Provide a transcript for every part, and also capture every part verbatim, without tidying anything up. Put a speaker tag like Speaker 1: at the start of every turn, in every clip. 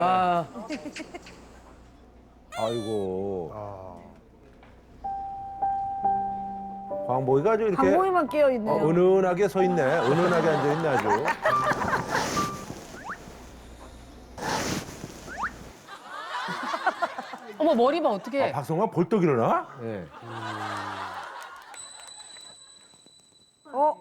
Speaker 1: 아,
Speaker 2: 아이고. 광복이가 아주 이렇게
Speaker 3: 방공이만 깨어 있네요.
Speaker 2: 어, 은은하게 서 있네. 은은하게 앉아 있네 아주.
Speaker 4: 어머 머리 봐 어떻게?
Speaker 2: 박성광 벌떡 일어나?
Speaker 1: 예.
Speaker 3: 어?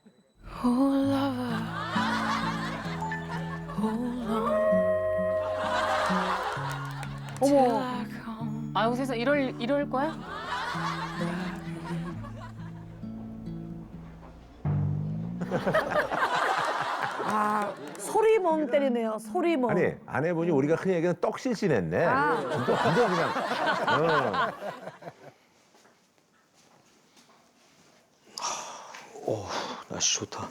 Speaker 3: 어머.
Speaker 4: 아유 세상 이럴 이럴 거야?
Speaker 3: 아, 소리멍 때리네요. 소리멍.
Speaker 2: 아니 아내분이 우리가 흔히 얘기하는 떡실신했네.
Speaker 3: 아.
Speaker 2: 진짜 완전 그냥. 어.
Speaker 5: 오, 날씨 좋다.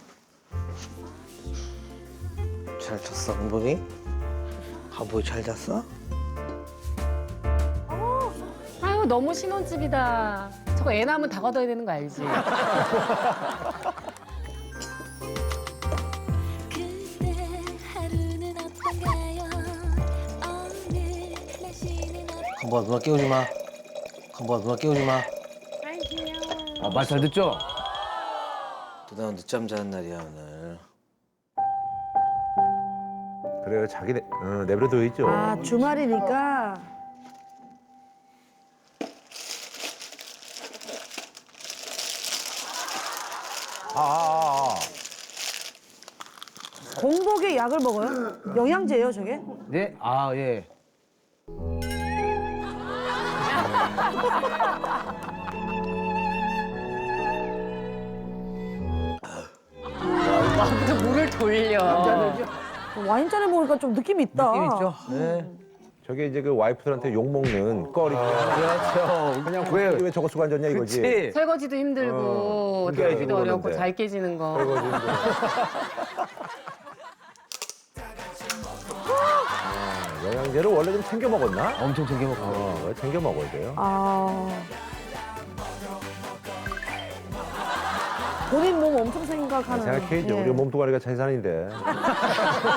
Speaker 5: 잘 잤어, 강복이? 강복이 잘 잤어?
Speaker 4: 아유 너무 신혼집이다. 저거 애 낳으면 다 걷어야 되는 거 알지?
Speaker 6: 그대 하루는 어떤가요? 오늘 날씨는 어떤가요?
Speaker 5: 강복아, 누나 깨우지 마. 강복아, 누나 깨우지 마.
Speaker 1: 아, 말 잘 듣죠?
Speaker 5: 누나 늦잠 자는 날이야, 오늘.
Speaker 2: 그래요 자기 내, 어, 내버려둬 있죠.
Speaker 3: 아, 주말이니까.
Speaker 2: 아, 아, 아.
Speaker 3: 공복에 약을 먹어요? 영양제예요, 저게?
Speaker 1: 네? 아, 예.
Speaker 4: 마음도 물을 돌려.
Speaker 3: 와인잔에 먹으니까 좀 느낌이 있다.
Speaker 1: 느낌 있죠? 네.
Speaker 2: 저게 이제 그 와이프들한테 욕 먹는 껄이.
Speaker 1: 그렇죠.
Speaker 2: 그냥 왜, 왜 저거 쓰고 앉았냐 이거지.
Speaker 1: 그치?
Speaker 4: 설거지도 힘들고
Speaker 2: 어,
Speaker 4: 들기도
Speaker 2: 깨지고
Speaker 4: 어렵고
Speaker 2: 그러는데.
Speaker 4: 잘 깨지는 거.
Speaker 2: 설거지 힘들고. 아, 영양제를 원래 좀 챙겨 먹었나?
Speaker 1: 엄청 챙겨 먹고.
Speaker 2: 어, 챙겨 먹어야 돼요.
Speaker 3: 아. 본인 몸 엄청 생각하는.
Speaker 2: 생각해야죠.
Speaker 3: 예.
Speaker 2: 우리 몸뚱아리가 재산인데.